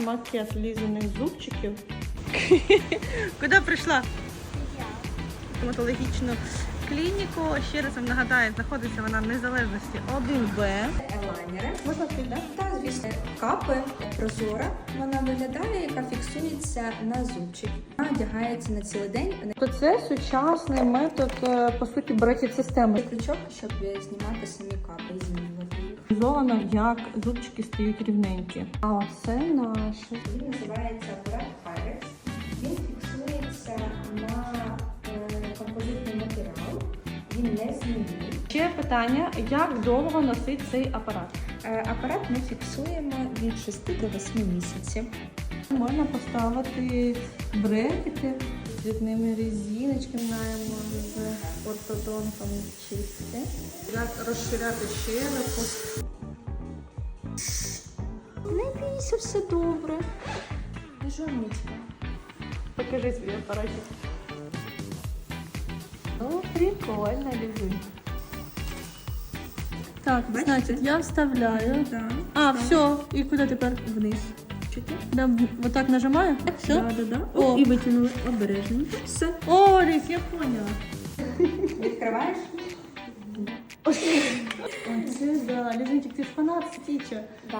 Макет лізаних зубчиків. Куди прийшла? Стоматологічну клініку. Ще раз вам нагадаю, знаходиться вона в Незалежності 1Б. Елайнери. Можна ти, так? Та, звісно, капи прозора. Вона виглядає, яка фіксується на зубчик. Вона одягається на цілий день. То це сучасний метод, по суті, братів системи. Крючок, щоб знімати самі капи і змінювати їх. Візуально, як зубчики стають рівненькі. А це наше. Він називається апарат Pyrex. Він фіксується на композитний матеріал. Він не змінює. Ще питання, як довго носить цей апарат? Апарат ми фіксуємо від 6 до 8 місяців. Можна поставити брекети з одними резиночками, маємо з ортодонтом чисті. Як розширяти щелепу. Не бійся, все добре. Не журніться. Покажи свій апаратик. Ну, прикольно лежить. Так, значить, я вставляю. Да. А, все. І куди тепер? Вниз. Чути? Да, вот так нажимаю? Все? Да. О. І витягнули обережненько. Все. О, Ліс, я поняла. Відкриваєш? Оце, да. Лізунчик, ти ж фанат Стіча.